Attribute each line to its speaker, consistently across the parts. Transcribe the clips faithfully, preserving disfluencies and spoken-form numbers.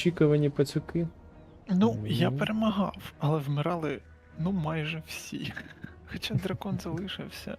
Speaker 1: довгоочікувані пацюки.
Speaker 2: Ну, я
Speaker 1: Мгм.
Speaker 2: перемагав, але вмирали, ну, майже всі. Хоча дракон залишився.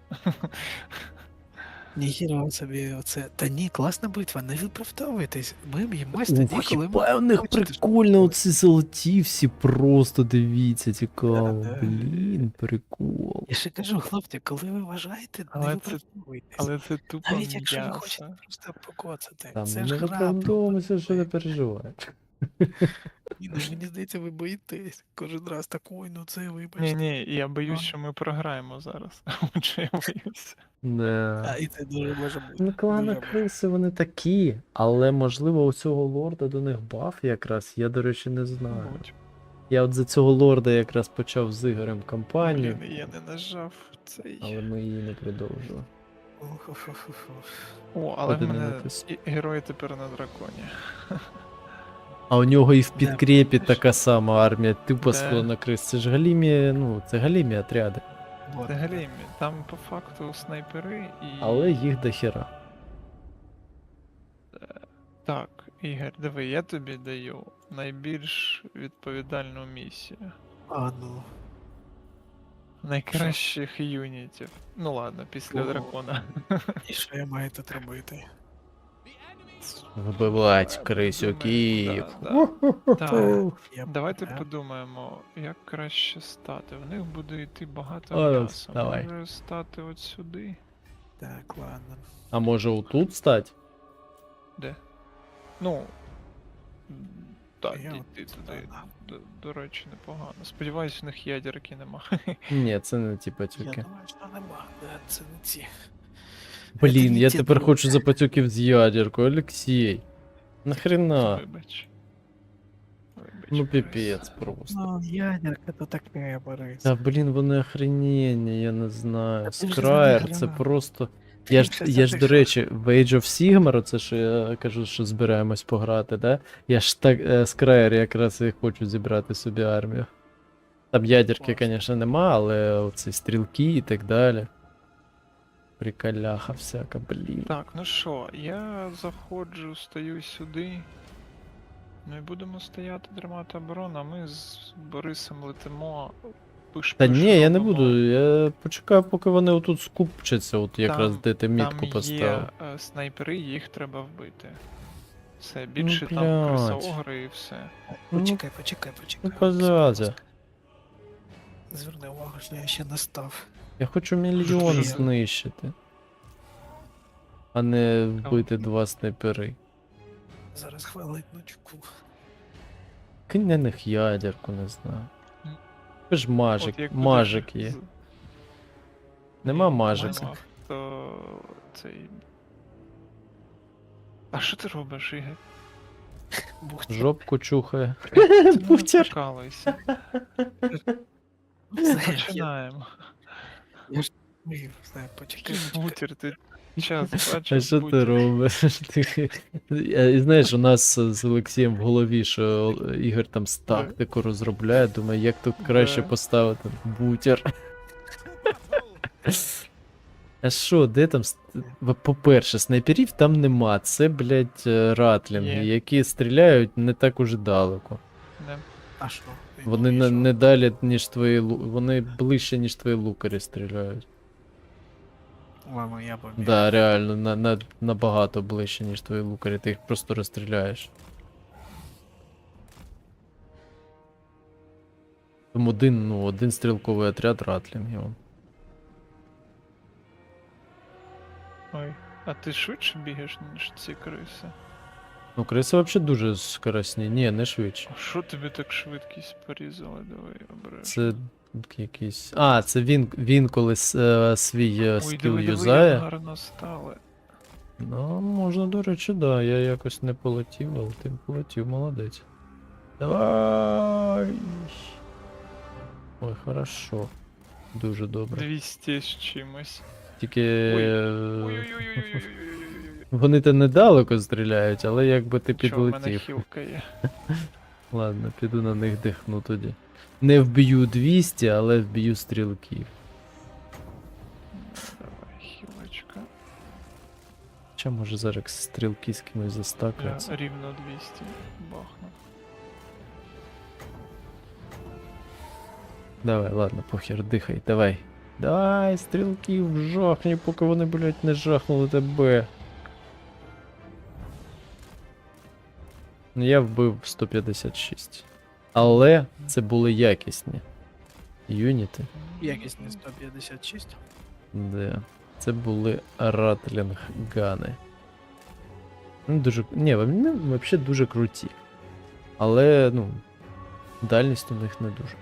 Speaker 3: Ніхіра собі оце. Та ні, класна битва, не виправдовуйтесь. Ми б'ємось тоді,
Speaker 1: Ух,
Speaker 3: коли ми
Speaker 1: хіба у них
Speaker 3: хочете, щоб
Speaker 1: прикольно,
Speaker 3: було.
Speaker 1: оці золоті всі просто дивіться, цікаво.
Speaker 3: Да, да.
Speaker 1: Блін, прикол.
Speaker 3: Я ще кажу, хлопці, коли ви вважаєте, не
Speaker 2: Але це-
Speaker 3: виправдовуйтесь.
Speaker 2: Але це тупо
Speaker 3: Навіть якщо ви хочете
Speaker 2: м'ясо.
Speaker 3: просто покоцати.
Speaker 1: Там
Speaker 3: Це
Speaker 1: ми
Speaker 3: ж
Speaker 1: не
Speaker 3: гра.
Speaker 1: виправдовуємося, що не
Speaker 3: пробуй.
Speaker 1: переживай.
Speaker 3: Ні, ну, мені здається, ви боїтесь. Кожен раз так, ой, ну це вибачте.
Speaker 2: Ні, ні, я боюсь,
Speaker 3: А.
Speaker 2: що ми програємо зараз. Отже, я боюся.
Speaker 1: Не.
Speaker 3: А, і це дуже може бути.
Speaker 1: Ну, клани
Speaker 3: дуже може.
Speaker 1: криси вони такі, але можливо у цього лорда до них баф якраз, я, до речі, не знаю.
Speaker 2: Мабуть.
Speaker 1: Я от за цього лорда якраз почав з Ігорем кампанію,
Speaker 2: Блін, я не нажав цей.
Speaker 1: але ми її не продовжили.
Speaker 3: Ух-ух-ух-ух.
Speaker 2: О, але в мене
Speaker 1: Подивитись.
Speaker 2: і- герой тепер на драконі.
Speaker 1: А у нього і в
Speaker 3: Да,
Speaker 1: підкрепі
Speaker 3: бачиш?
Speaker 1: така сама армія, типу
Speaker 2: Да.
Speaker 1: склона крис. Це ж галімі, ну, це галімі отряди.
Speaker 3: Вот.
Speaker 2: Взагалі, там по факту снайпери і.
Speaker 1: Але їх дохера.
Speaker 2: Так, Ігор, диви, я тобі даю найбільш відповідальну місію.
Speaker 3: А, ну.
Speaker 2: Найкращих юнітів. Ну ладно, після
Speaker 3: Ого.
Speaker 2: дракона.
Speaker 3: І що я маю тут робити?
Speaker 1: Вбивать крисюків.
Speaker 2: Да, да. Так,
Speaker 3: Я
Speaker 2: давайте
Speaker 3: поняв.
Speaker 2: подумаємо, як краще стати. В них буде йти багато
Speaker 1: О,
Speaker 2: м'яса.
Speaker 1: давай.
Speaker 2: Може стати от сюди?
Speaker 3: Так, ладно.
Speaker 1: А може отут стать?
Speaker 2: Де? Ну. м, Так,
Speaker 3: Я
Speaker 2: йти
Speaker 3: от
Speaker 2: туди.
Speaker 3: сюди, да.
Speaker 2: До, до речі, непогано. Сподіваюсь, у них ядерки нема.
Speaker 1: Ні, це не ті
Speaker 3: Я
Speaker 1: пацюки.
Speaker 3: думаю, що нема. Да, це не ці.
Speaker 1: Блін,
Speaker 3: не
Speaker 1: я
Speaker 3: ті
Speaker 1: тепер
Speaker 3: друзі.
Speaker 1: хочу за пацюків з ядеркою, Олексій. Нахрена?
Speaker 2: Вибач. Вибач,
Speaker 1: Ну
Speaker 2: Борис.
Speaker 1: піпець просто.
Speaker 3: Ну, ядерка то таке, Борис.
Speaker 1: Та блін, вони охрененні, я не знаю.
Speaker 3: Та ти вже
Speaker 1: Скраєр,
Speaker 3: за них
Speaker 1: це
Speaker 3: грав.
Speaker 1: просто.
Speaker 3: Ти
Speaker 1: Я ж,
Speaker 3: вже
Speaker 1: я ж,
Speaker 3: за
Speaker 1: до
Speaker 3: них
Speaker 1: речі, в Age of Sigmar, оце що я кажу, що збираємось пограти, да? Я ж так, е, Скраєр якраз і хочу зібрати собі армію. Там ядерки,
Speaker 3: Класно.
Speaker 1: звісно, нема, але оці стрілки і так далі. Приколяха всяка, блін.
Speaker 2: Так, ну що, я заходжу, стою сюди. Ну і будемо стояти, тримати оборону, а ми з Борисом летимо. Пиш,
Speaker 1: Та
Speaker 2: пиш,
Speaker 1: ні, я не
Speaker 2: робимо.
Speaker 1: буду, я почекаю, поки вони отут скупчаться, от якраз
Speaker 2: Там-
Speaker 1: де ти мітку
Speaker 2: Там
Speaker 1: поставив.
Speaker 2: є е, снайпери, їх треба вбити. Все, більше там
Speaker 1: блядь.
Speaker 2: крисоогри і все.
Speaker 1: Ну,
Speaker 3: Почекай, почекай, почекай.
Speaker 1: ну, позазя.
Speaker 3: Зверни увагу, що я ще не став.
Speaker 1: Я хочу мільйон
Speaker 3: Блін.
Speaker 1: знищити. А не вбити два снайпери.
Speaker 3: Зараз хвилиночку.
Speaker 1: Кинь на них ядерку, не знаю. Ви ж мажик,
Speaker 2: От як
Speaker 1: мажик
Speaker 2: будеш
Speaker 1: є.
Speaker 2: з-
Speaker 1: Нема
Speaker 2: Ні,
Speaker 1: мажика.
Speaker 2: нема, То цей. А що ти робиш, Ігор?
Speaker 3: Бух,
Speaker 1: Жопку чухає.
Speaker 2: Ти не
Speaker 1: Бухтер.
Speaker 2: прикалуйся.
Speaker 3: Знаєш, я
Speaker 2: Починаємо.
Speaker 3: вмію, знаю, почекай,
Speaker 2: Який
Speaker 3: почекай.
Speaker 2: бутер, ти час
Speaker 1: А
Speaker 2: бачив?
Speaker 1: що ти
Speaker 2: бутер?
Speaker 1: робиш? Ти- Я- І знаєш, у нас з Олексієм в голові, що Ігор там з тактику розробляє, думаю, як тут краще
Speaker 2: Да.
Speaker 1: поставити бутер. А що, де там? ст- в- По-перше, снайперів там нема. Це, блядь, е, ратлінги,
Speaker 2: Є.
Speaker 1: які стріляють не так уже далеко.
Speaker 2: Не.
Speaker 3: А що?
Speaker 1: Вони
Speaker 3: Ну, і
Speaker 1: не,
Speaker 3: що?
Speaker 1: не далі, ніж твої лу- вони ближче, ніж твої лукарі стріляють.
Speaker 3: Ладно, я побіг.
Speaker 1: Да, реально, на, на, набагато ближче, ніж твої лукарі, ти їх просто розстріляєш. Там один, ну, один стрілковий отряд ратлінгів.
Speaker 2: Ой. А ти швидше бігаєш, ніж ці криси?
Speaker 1: Ну, криси взагалі дуже скоростні. Ні, не швидше.
Speaker 2: А що тобі так швидкість порізали? Давай обережно.
Speaker 1: Це якийсь. А, це він, він коли с- е, свій е,
Speaker 2: Ой,
Speaker 1: скіл
Speaker 2: диви, диви,
Speaker 1: юзає.
Speaker 2: як гарно стали.
Speaker 1: Ну, можна, до речі, да. Я якось не полетів, але ти полетів, молодець. Давай. Ой, хорошо. Дуже добре.
Speaker 2: двісті з чимось.
Speaker 1: Тільки.
Speaker 2: Ой.
Speaker 1: е,
Speaker 2: Ой-ой-ой-ой-ой-ой-ой-ой-ой-ой.
Speaker 1: Вони то недалеко стріляють, але якби ти
Speaker 2: Що, в мене
Speaker 1: підлетів.
Speaker 2: хілка є.
Speaker 1: Ладно, піду на них дихну тоді. Не вб'ю двісті, але вб'ю стрілків.
Speaker 2: Давай, хілочка.
Speaker 1: Чи може зараз стрілки з кимось
Speaker 2: Я
Speaker 1: застакаються?
Speaker 2: рівно двісті бахну.
Speaker 1: Давай, ладно, похер, дихай, давай. Давай, стрілків, жахні, поки вони, блядь, не жахнули тебе. Ну, я вбив сто п'ятдесят шість. Але це були якісні юніти.
Speaker 3: Якісні сто п'ятдесят шість.
Speaker 1: Де. Це були ратлінг-гани. Ну, дуже. Ні, вони взагалі дуже круті. Але, ну, дальність у них не дуже.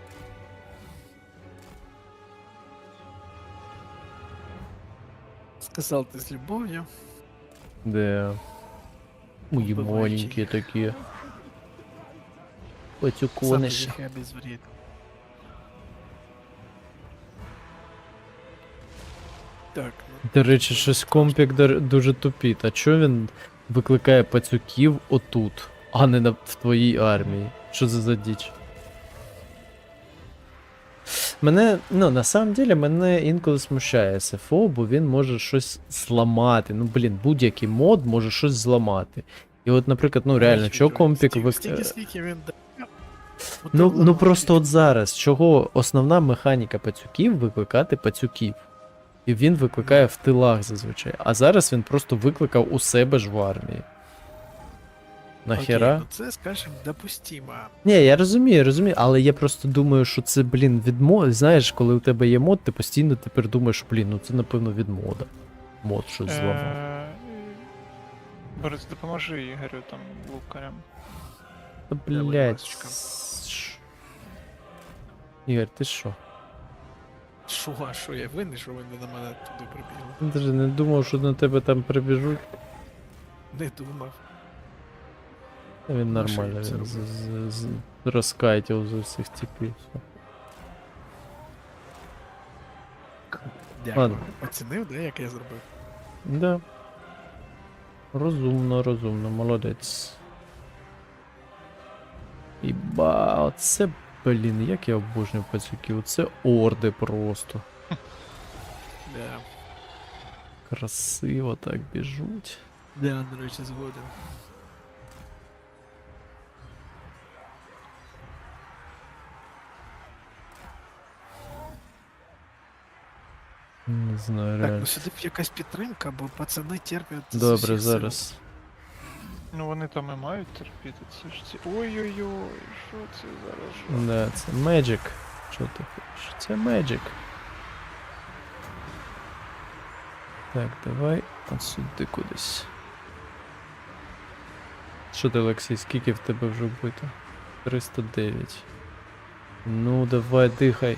Speaker 3: Сказав ти з любов'ю.
Speaker 1: Де. Мої
Speaker 3: Вбиваючи
Speaker 1: маленькі
Speaker 3: їх.
Speaker 1: такі.
Speaker 3: Саме
Speaker 1: Пацюкониші.
Speaker 3: їх обезвред. Так, ну,
Speaker 1: До речі, щось компік дар- дуже тупіт. А чо він викликає пацюків отут, а не на, в твоїй армії? Що це за діч? Мене, ну, на самом деле, мене інколи смущає ес еф о, бо він може щось зламати. Ну, блін, будь-який мод може щось зламати. І от, наприклад, ну реально, чого компік
Speaker 3: стільки,
Speaker 1: вик...
Speaker 3: стільки, скільки він дає.
Speaker 1: Ну, ну просто от зараз, чого основна механіка пацюків викликати пацюків. І він викликає в тилах зазвичай. А зараз він просто викликав у себе ж в армії. Нахера?
Speaker 3: Окей, ну це, скажімо, допустимо.
Speaker 1: Ні, я розумію, розумію, але я просто думаю, що це, блін, від моди. Знаєш, коли у тебе є мод, ти постійно тепер думаєш, блін, ну це напевно від мода. Мод щось зламав.
Speaker 2: Е, Борис, допоможи Ігорю там лукарям.
Speaker 1: Та,
Speaker 3: давай,
Speaker 1: блядь.
Speaker 3: ласочка.
Speaker 1: с- Ігор, ти що?
Speaker 3: Що, а що я винний, що вони на мене туди прибігли?
Speaker 1: Я даже не думав, що на тебе там прибіжуть.
Speaker 3: Не думав.
Speaker 1: Та Він
Speaker 3: Ну, що
Speaker 1: нормально,
Speaker 3: я це
Speaker 1: він з,
Speaker 3: робив?
Speaker 1: з, з, розкайтів з усіх типів.
Speaker 3: Дякую.
Speaker 1: Ладно.
Speaker 3: Оцінив, да, як я зробив?
Speaker 1: Да. Розумно, розумно, молодець. Іба, оце, блін, як я обожнюю пацюків, це орди просто.
Speaker 3: Да.
Speaker 1: Красиво так біжуть.
Speaker 3: Да, до речі, згоден.
Speaker 1: Не знаю,
Speaker 3: Так,
Speaker 1: реально.
Speaker 3: ну сюди б якась підтримка, бо пацани терпять. з
Speaker 1: Добре,
Speaker 3: усіх сил.
Speaker 1: зараз.
Speaker 2: Ну вони там і мають терпіти, це ж ці. Ой-ой-ой, що це зараз?
Speaker 1: Да, це Magic. Що ти хочеш? Це Magic. Так, давай от сюди кудись. Що ти, Олексій, скільки в тебе вже вбито? триста дев'ять. Ну, давай, дихай.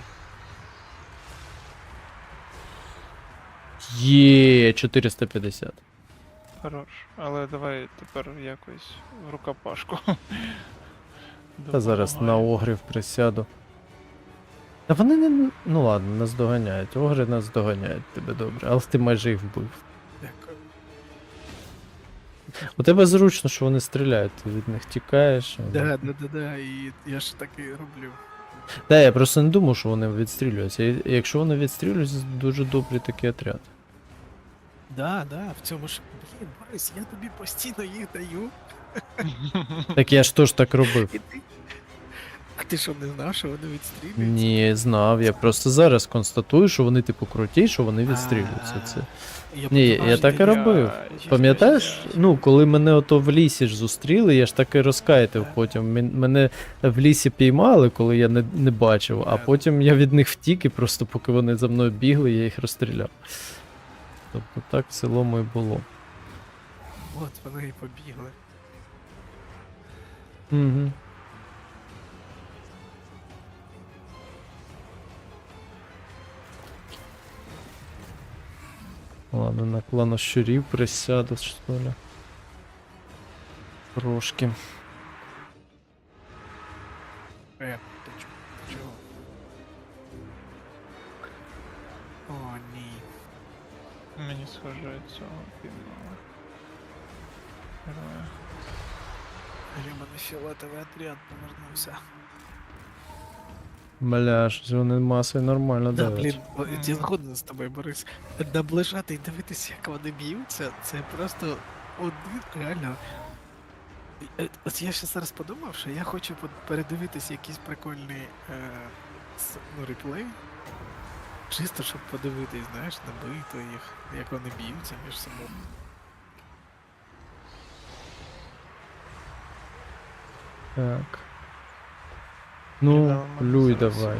Speaker 1: Є, чотириста п'ятдесят.
Speaker 2: Хорош. Але давай тепер якось в рукопашку.
Speaker 1: Та зараз на
Speaker 2: Допомагай.
Speaker 1: огрів присяду. Та вони не. Ну ладно, нас доганяють. Огри нас доганяють тебе добре, але ти майже їх вбив.
Speaker 3: Дякую.
Speaker 1: У тебе зручно, що вони стріляють, ти від них тікаєш. вони-
Speaker 3: Да, да, да, да, і я ж так і роблю.
Speaker 1: Та я просто не думав, що вони відстрілюються. І якщо вони відстрілюються, дуже добрий такий отряд.
Speaker 3: Да, да, в цьому ж. Блін, Борис, я тобі постійно їх даю.
Speaker 1: Так я ж теж так робив.
Speaker 3: І ти. А ти що не знав, що вони відстрілюються?
Speaker 1: Ні, знав. Я просто зараз констатую, що вони типу круті, що вони відстрілюються. Це.
Speaker 3: Я
Speaker 1: Ні,
Speaker 3: подумав,
Speaker 1: я
Speaker 3: що
Speaker 1: так
Speaker 3: ти-
Speaker 1: і робив.
Speaker 2: Я-
Speaker 1: Пам'ятаєш, ну, коли мене ото в лісі ж зустріли, я ж так і розкайтив
Speaker 3: Так.
Speaker 1: потім. Мен- Мене в лісі піймали, коли я не, не бачив, а
Speaker 3: Так.
Speaker 1: потім я від них втік і просто поки вони за мною бігли, я їх розстріляв. Тобто так в цілому і було.
Speaker 3: От вони і побігли.
Speaker 1: Угу. Ладно, на клана щурів присяду, що ли. Трошки.
Speaker 3: Е, ти чо- ти чого? О, ні.
Speaker 2: Мені схоже цього півного. Героя.
Speaker 3: Гребаний фіолетовий отряд повернувся.
Speaker 1: Бля, щось вони масою нормально
Speaker 3: Да,
Speaker 1: давлять.
Speaker 3: блін, бо-
Speaker 2: Мгм.
Speaker 3: я згоден з тобою, Борис. Наближати і дивитися, як вони б'ються, це просто один реально. Е, От я ще зараз подумав, що я хочу по- передивитися якийсь прикольний е, с- ну, реплей. Чисто, щоб подивитись, знаєш, на битву їх, як вони б'ються між собою.
Speaker 1: Так. Ну, плюй давай.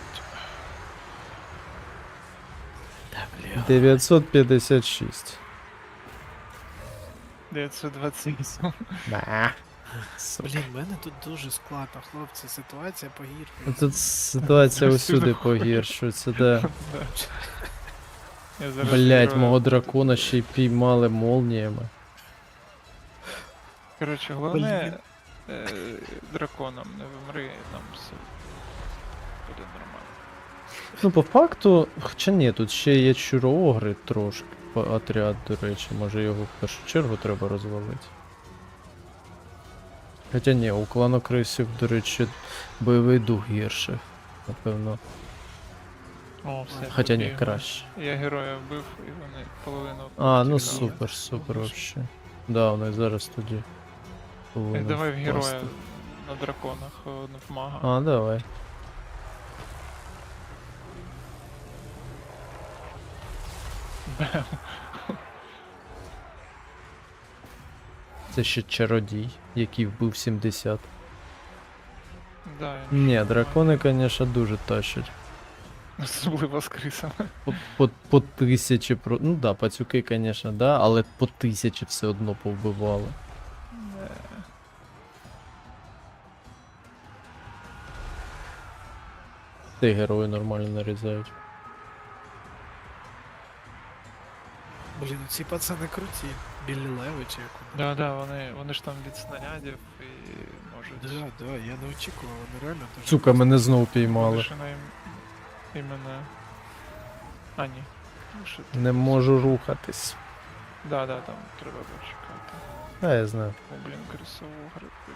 Speaker 3: Та, бля.
Speaker 1: дев'ятсот п'ятдесят шість.
Speaker 2: дев'ятсот двадцять вісім.
Speaker 1: Да.
Speaker 3: Блін, в мене тут дуже складно, хлопці, ситуація погіршується.
Speaker 1: Тут ситуація усюди погіршується, да.
Speaker 2: Я зараз
Speaker 1: Блять,
Speaker 2: герою-
Speaker 1: мого дракона ще й піймали молніями.
Speaker 2: Коротше, головне е, драконом не вимри, нам все буде нормально.
Speaker 1: Ну, по факту, хоча ні, тут ще є чуроогри трошки. по- Отряд, до речі, може його в першу чергу треба розвалити. Хоча ні, у кланокрисів, до речі, бойовий дух гірше. Напевно.
Speaker 2: О, все.
Speaker 1: Хоча ні,
Speaker 2: побігли.
Speaker 1: краще.
Speaker 2: Я героя вбив, і вони половину.
Speaker 1: А, ну
Speaker 2: тікали.
Speaker 1: супер, супер вообще. Да, вони зараз тоді.
Speaker 2: Е,
Speaker 1: повинні
Speaker 2: Давай в героя
Speaker 1: впасти.
Speaker 2: на драконах, е, не в мага.
Speaker 1: А, давай.
Speaker 2: Бем.
Speaker 1: Це ще чародій, який вбив сімдесят.
Speaker 2: Да, він
Speaker 1: Ні,
Speaker 2: ще
Speaker 1: дракони, конечно, дуже тащать.
Speaker 2: особливо з крисами.
Speaker 1: По, по, по тисячі про. Ну да, пацюки, конечно, да, але по тисячі все одно повбивали.
Speaker 2: Е,
Speaker 1: Та й герої нормально нарізають.
Speaker 3: Блін, ці пацани круті. Білі леви чи як вони.
Speaker 2: Да, да, вони, вони ж там від снарядів і можуть.
Speaker 3: Да, да, я не очікував, вони реально дуже.
Speaker 1: Сука, мене знов
Speaker 2: Вони
Speaker 1: піймали.
Speaker 2: ще на ім... іменно. А, ні. Ну, що ти?
Speaker 1: Не можу рухатись.
Speaker 2: Да, да, там треба почекати.
Speaker 1: А, я знаю.
Speaker 2: О, блін, крисову грибку.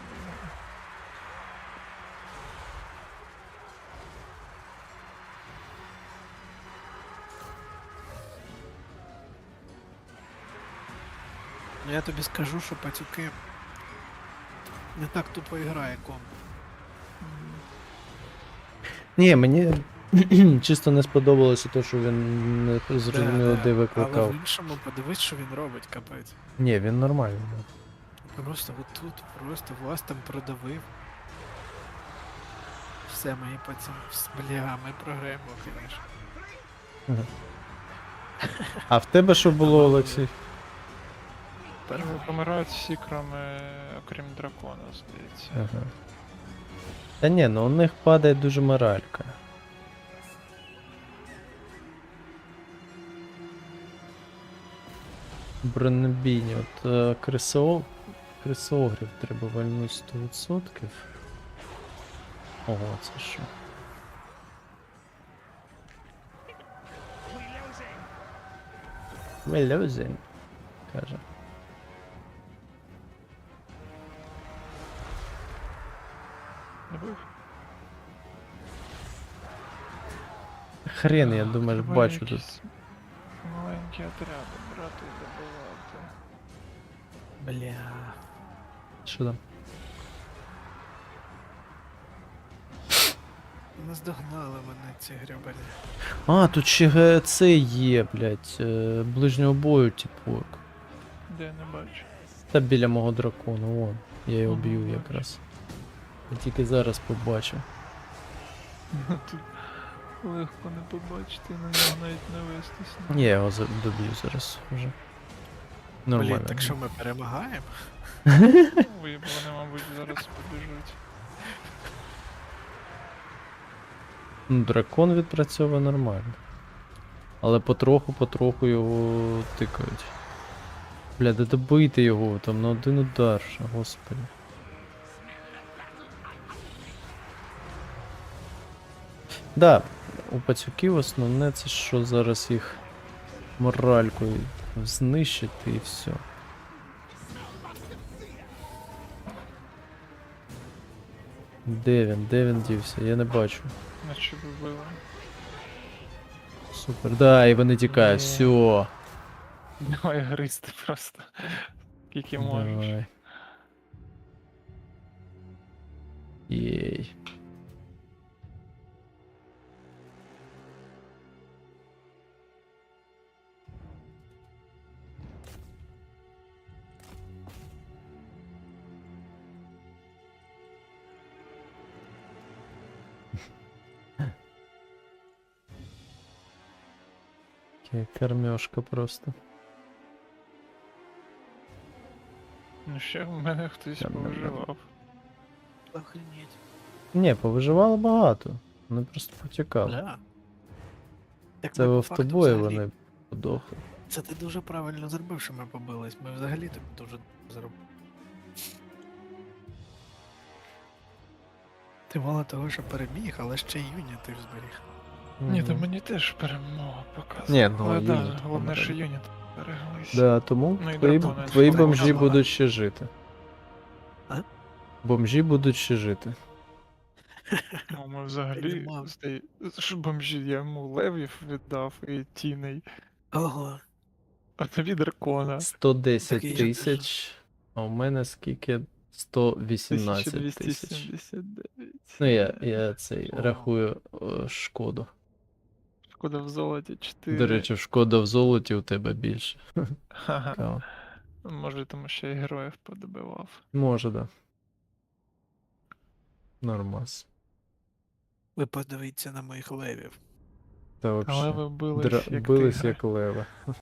Speaker 3: Ну я тобі скажу, що пацюки не так тупо грає ком.
Speaker 1: Ні, мені чисто не сподобалося те, що він не зрозуміло,
Speaker 3: Да,
Speaker 1: де
Speaker 3: да. Але
Speaker 1: викликав.
Speaker 3: в іншому подивись, що він робить, капець.
Speaker 1: Ні, він нормальний. да.
Speaker 3: Просто отут, просто вас там продавив. Все, мої пацани, вс- бля, ми програємо, звісно.
Speaker 1: А в тебе що було, Олексій?
Speaker 2: Перші помирають всі, кроме, окрім дракона, здається.
Speaker 1: Ага. Та ні, ну у них падає дуже моралька. Бронебійні, от е, крисо... крисогрів треба вальнути сто відсотків. Ого, це що? We're losing, каже.
Speaker 2: Не був?
Speaker 1: Хрен, я думаю,
Speaker 2: Треба
Speaker 1: бачу тут.
Speaker 2: якісь маленькі отряди брати і добивати.
Speaker 3: Бля.
Speaker 1: Що там?
Speaker 3: Наздогнали мене ці гребані.
Speaker 1: А, тут ще ге- це є, блядь, е, ближнього бою, типу.
Speaker 2: Де я не бачу.
Speaker 1: Та біля мого дракона, вон. Я його
Speaker 2: Ага,
Speaker 1: б'ю
Speaker 2: бачу.
Speaker 1: якраз. Я тільки зараз побачив.
Speaker 2: Тут легко не побачити, на нього навіть не вестись.
Speaker 1: Ні, я його за- доб'ю зараз вже. Нормально.
Speaker 3: Блін, так що ми перемагаємо?
Speaker 2: Ой, бо вони, мабуть, зараз побіжуть.
Speaker 1: Ну, дракон відпрацьовує нормально. Але потроху-потроху його тикають. Бля, да добийте його там на один удар, ще, господи. Да, у пацюків основне це що зараз їх моралькою знищити і все. Де він? Де він дівся? Я не бачу.
Speaker 2: Наче вбили.
Speaker 1: Супер. Да, і вони тікають.
Speaker 2: Ні.
Speaker 1: Все.
Speaker 2: Давай гристи просто. Скільки можеш.
Speaker 1: Давай. Єй. Таке кормежка просто.
Speaker 2: Ну ще в мене хтось
Speaker 1: Там, там, там.
Speaker 2: повиживав.
Speaker 3: Охренеть.
Speaker 1: Ні, повиживало багато. Вони просто потікали.
Speaker 3: Бля. Так
Speaker 1: Це
Speaker 3: ми
Speaker 1: в
Speaker 3: по факту
Speaker 1: автобої
Speaker 3: взагалі-
Speaker 1: вони подохли.
Speaker 3: Це ти дуже правильно зробив, що ми побились. Ми взагалі так дуже зробили. Ти мало того, що переміг, але ще й юні ти ж зберіг.
Speaker 2: Ні, то
Speaker 1: Мгм.
Speaker 2: мені теж перемога показує.
Speaker 1: Ні, ну,
Speaker 2: Але да,
Speaker 1: юніт
Speaker 2: головне, що
Speaker 1: помер.
Speaker 2: юніт береглись.
Speaker 1: Да, тому
Speaker 2: Ну і
Speaker 1: твої,
Speaker 2: дракони
Speaker 1: твої
Speaker 2: ж
Speaker 1: бомжі
Speaker 3: померли.
Speaker 1: будуть ще жити.
Speaker 3: А?
Speaker 1: Бомжі будуть ще жити.
Speaker 2: Ну, ми взагалі
Speaker 3: Нема.
Speaker 2: здає... Що бомжі, я йому левів віддав і тіней,
Speaker 3: Ого.
Speaker 2: а тобі дракона.
Speaker 1: сто десять
Speaker 3: Так і ж-
Speaker 1: тисяч, а у мене скільки? сто вісімнадцять тисяч.
Speaker 2: тисяча двісті сімдесят дев'ять.
Speaker 1: Ну, я, я цей
Speaker 3: О.
Speaker 1: рахую е, шкоду.
Speaker 2: Шкода в золоті чотири.
Speaker 1: До речі, шкода в золоті у тебе більше.
Speaker 2: Ха-ха.
Speaker 1: Цікаво.
Speaker 2: Може, тому що я героїв подобивав.
Speaker 1: Може, да. Нормас.
Speaker 3: Ви подивіться на моїх левів.
Speaker 1: Та
Speaker 2: Але
Speaker 1: вообще.
Speaker 2: ви бились
Speaker 1: Дра...
Speaker 2: як
Speaker 1: Бились
Speaker 2: тигри.
Speaker 1: як лева.